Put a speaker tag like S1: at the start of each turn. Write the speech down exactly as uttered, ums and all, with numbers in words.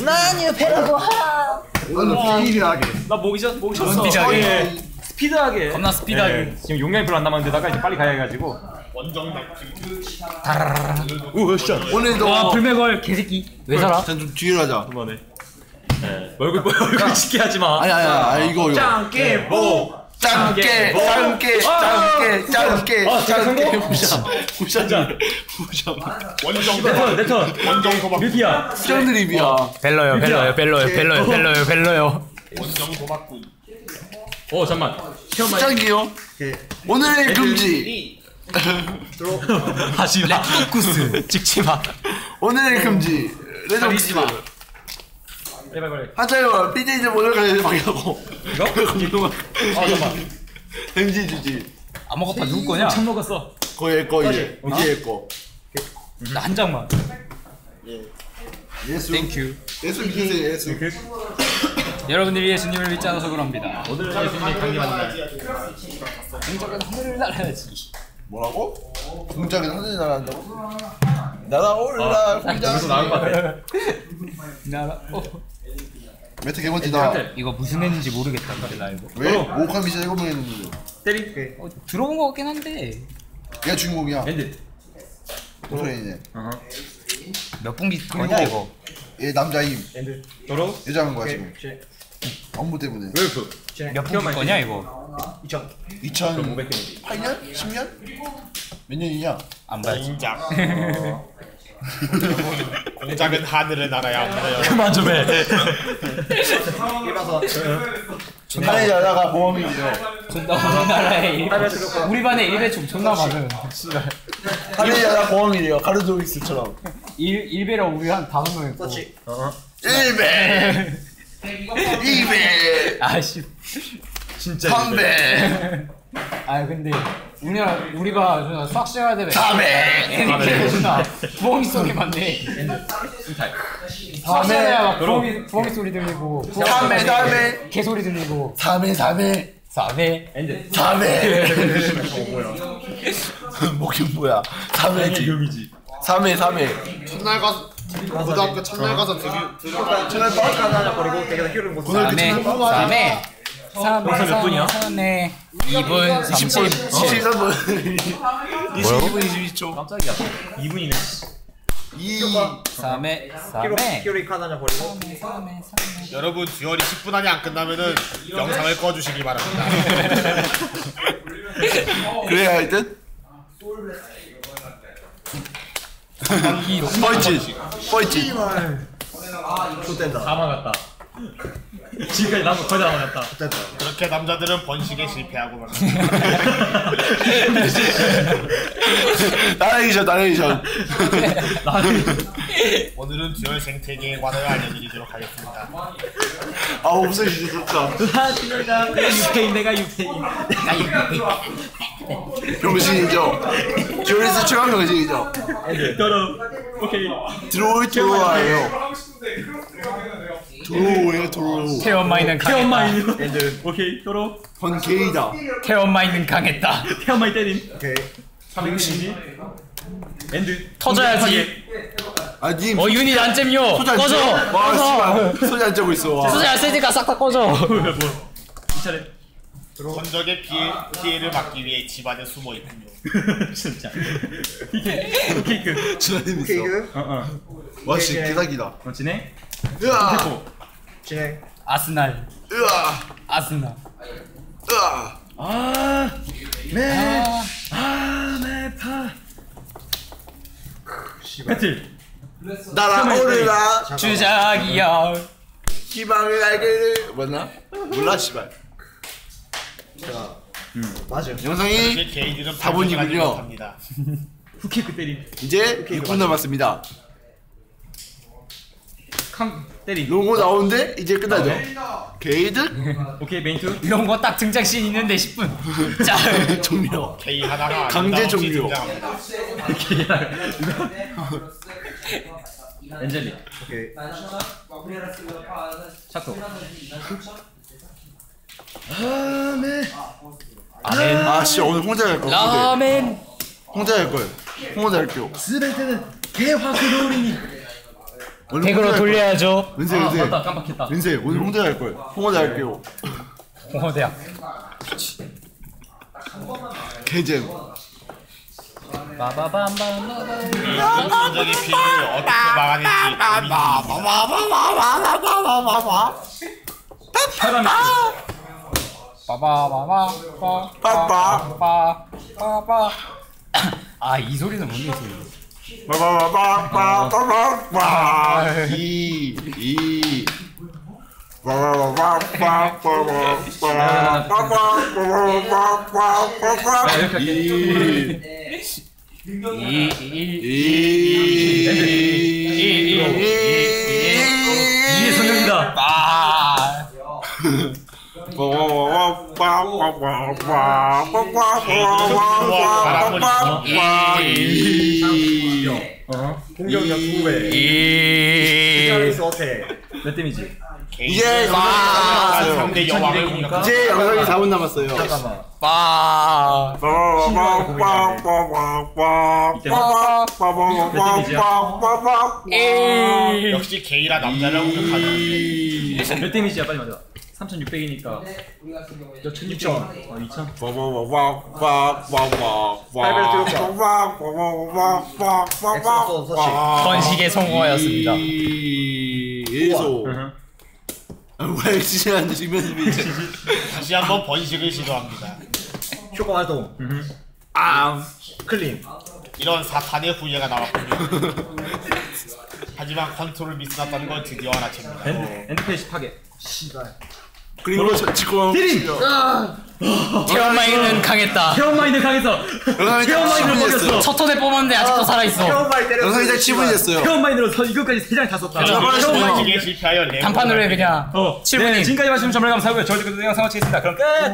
S1: 나는 배라고 하.
S2: 오늘 스피드하게.
S3: 나 목이 쉬었 목이 쉬었어.
S1: 스피드하게.
S3: 스피드하게.
S1: 겁나 스피드하게.
S3: 네, 지금 용량이 별로 안 남았는데다가 이제 빨리 가야 해가지고.
S4: 원정
S3: 오 샷.
S2: 오늘도
S1: 와 불매걸 개새끼. 왜 살아?
S2: 일단 좀 뒤로 하자.
S3: 그만해. 네. 얼굴 얼굴 짓게 하지 마.
S2: 아니 아니 아니 이거 이거.
S3: 짱깨 보.
S2: 짱깨 짱깨 짱깨 짱깨
S3: 아,
S2: 짱깨 부샤 부샤 부샤.
S4: 원정
S3: 내턴 내턴.
S4: 원정 도박
S3: 밀피야.
S2: 수정 드립이야.
S1: 벨러요 벨러요 벨러요 벨러요 벨러요 벨러요.
S4: 원정 도박꾼.
S3: 오 잠만.
S2: 수정이요. 오늘의 금지.
S1: 하지마. 렉토쿠스 찍지마.
S2: 오늘의 금지. 레전드.
S3: 빨리 빨리 빨리.
S2: 하자요. 피디즈 오늘 가야 방이라고.
S3: 이거?
S2: 김동완.
S3: 아 잠만.
S2: 금지 주지.
S1: 아무것도 누구 거냐?
S3: 참 먹었어.
S2: 거의 거 이제 이제 거.
S1: 나 한 장만.
S2: 예수.
S1: 땡큐.
S2: 예수 믿으세요 예수.
S1: 여러분들이 예수님을 믿지 않아서 그럽니다.
S3: 오늘은 예수님이 강림하는 날.
S1: 공적은 하늘을 날아야지.
S2: 뭐라고? 공장에 하늘이 날아간다고? 날아올라 공장.
S3: 여기서 나올 것 같아.
S1: 나 어.
S2: 메타 개먼지다.
S1: 이거 무슨 애인지 모르겠다. 근데 나 이거.
S2: 왜? 모카 미션 일곱 명 했는데.
S3: 때리.
S1: 어, 들어본 거 같긴 한데
S2: 얘가 주인공이야.
S3: 엔드.
S2: 오소연이네.
S1: 몇 분기 거냐 이거?
S2: 얘 남자임.
S3: 엔드. 도로.
S2: 여자인 거야 지금. 업무 때문에.
S3: 웰프.
S1: 몇 분기 거냐 이거?
S3: 이천.
S2: 이천오백 년? 십 년? 몇 년이냐?
S1: 안 봐야지.
S4: 공작. 공작은 하늘을 날아야 합니다.
S1: 그만 좀 해.
S3: 일봐서.
S2: 하늘이 날아가 보험이죠.
S1: 존나 우리나라에 우리 반에 일배충 존나 많은.
S2: 하늘이 날아가 보험이래요. 카르도이스처럼.
S1: 일 일배랑 우리 한 다섯 명 있고.
S2: 일 배, 이 배,
S1: 아씨.
S3: 진짜.
S2: 삼 배,
S1: 아 근데 우리나라 우리가 존나 수학 시간할 때
S2: 사 배,
S1: 애니케이션 존나 부엉이 소리 많네. 수학 시간에 막 부엉이 부엉이 소리 들리고.
S2: 삼 배, 사 배,
S1: 개 소리 들리고.
S2: 사 배, 사 배,
S1: 사 배.
S3: 엔드.
S2: 사 배. 목이 뭐야? 삼 회지.
S3: 용이지.
S2: 삼 회, 삼 회.
S4: 첫날 가서 고등학교 첫날 가서 들이 들어가.
S2: 첫날 빠르게
S3: 하나 버리고 내가 휴를 못.
S2: 오늘 그
S1: 삼 회.
S2: 첫날 빠르게
S1: 삼 회. 삼
S3: 벌써 몇 분이야?
S1: 삼 회. 이 분
S2: 이십 분,
S1: 삼십.
S2: 이십삼 분. 이십이 분, 이십이 초.
S3: 깜짝이야. 이 분이네.
S2: 이.
S1: 삼 회. 삼 회.
S3: 휴를 하나 버리고.
S1: 삼 회. 삼 회.
S4: 여러분 듀얼이 십 분 안에 안 끝나면은 영상을 꺼주시기 바랍니다.
S2: 그래야 할 듯? 뻘짓, 뻘짓.
S3: 다 막았다. 지금까지 남은 거의 다 막았다.
S4: 그렇게 남자들은 번식에 실패하고 막.
S2: 나레이션, 나레이션.
S4: 오늘은 듀얼 생태계에 관하여 알려드리도록 하겠습니다.
S2: 아, 없어, 진짜 좋다.
S3: 내가 유페인 내가 유페인.
S2: 병신이죠. 듀얼리스 최강 병신이죠.
S3: 떨어. 오케이.
S2: 들어올 들어와요. 들어오요, 들어오.
S1: 태엄마이는
S3: 태엄마이.
S1: 강했다.
S3: 엔드. 오케이. 떨어.
S2: 건 게이다.
S1: 태엄마이는 강했다.
S3: 태엄마이 때림.
S2: 오케이.
S3: 삼백육십이. 엔드.
S1: 터져야지.
S2: 아, 님.
S1: 어 유닛 안 잼요.
S2: 소주 안
S1: 꺼져.
S2: 쬐? 와,
S1: 꺼져.
S2: 씨발. 소주 안 쬐고 있어. 와.
S1: 수지 안 쓰니까 싹 다 꺼져.
S3: 뭐? 이 차례.
S4: 전적의 피해, 피해를 막기 위해 집안에 숨어 있군요.
S3: 진짜. 케이크. 케이크.
S2: 진아님 있어.
S3: 어 어.
S2: 와, 씨, 개사기다.
S3: 어 진행.
S2: 으아.
S3: 태포. 진행.
S1: 아스날.
S2: 으아.
S1: 아스날.
S2: 으아.
S3: 아. 매.
S1: 아.
S3: 아 매파. 배틀.
S2: 날아오르라.
S1: 주작이야.
S2: 희망의 날개를 맞나? 몰라, 씨발.
S3: 맞아.
S2: 영상이
S4: 이제 게이들은
S2: 사 분이군요.
S4: 합니다.
S3: 후키크 때림.
S2: 이제 육 분 남았습니다.
S3: 캉 때림.
S2: 로고 나오는데 이제 끝나죠. 게이드
S3: 오케이 메인투.
S1: 이런 거 딱 등장씬 있는데 십 분. 자.
S2: 종료.
S4: 게이 하다가
S2: 강제
S4: 아름다운
S2: 종료.
S4: 등장합니다.
S3: 엔젤리. 오케이. 차토.
S1: 아멘.
S2: 아씨 오늘 혼자 갈 걸.
S1: 라멘.
S2: 혼자 갈 걸. 혼자 할게요.
S3: 스베테는 개화그로리니.
S1: 덱으로 돌려야죠.
S2: 왠세
S3: 아
S2: 왠세
S3: 맞다 깜빡했다.
S2: 왠세 오늘 홍대 할걸 홍대 할게요.
S1: 홍어대학.
S2: 개잼.
S1: 빠바밤밤.
S4: 인간적인 피해를 어떻게 막아낼지
S3: 사람이
S1: 빠바바바. 빠바바. 빠바. 아, 이 소리는 뭔 소리?
S2: 빠바바바바바바 이 이.
S3: 이게 성형이다.
S5: 공격력 두 배. 스타일리스 어택.
S3: 몇 데미지?
S2: 이제
S4: 상대 여왕을 공격하고
S2: 이제 영상이 사 분 남았어요.
S5: 잠깐만.
S1: 빠.
S4: 역시 게이라 남자를 공격하는
S3: 몇 데미지야 빨리 맞아. 삼천육백이니까 몇 천육천. 어 이천.
S5: 엑소소 서식.
S1: 번식에 성공하였습니다.
S2: 예소. 왜 지시하는데 지면서
S4: 다시 한번 번식을 시도합니다.
S5: 효과 활동.
S2: 아
S5: 클린.
S4: 이런 사탄의 후예가 나왔군요. 하지만 컨트롤 미스났다는 걸 드디어 알아챕니다.
S3: 엔드 엔드페이지 파괴.
S5: 씨발.
S2: 그리고 지금
S3: 때림!
S1: 태연마이는 강했다.
S3: 체험마인드 강해서 체험마인드를 먹였어.
S1: 첫 턴에 뽑았는데 아직도 살아있어.
S5: 태원마이 때렸어.
S2: 영상이 이제 칠 분이 됐어요.
S3: 체험마인드로 서 이것까지 세 장 다 썼다.
S4: 번식에 실패하여 레몬을
S1: 단판으로 해 그냥.
S3: 어,
S1: 칠 분이.
S3: 네, 지금까지 말씀 정말 감사하고요. 저희도 그 영상 마치겠습니다. 그럼 끝!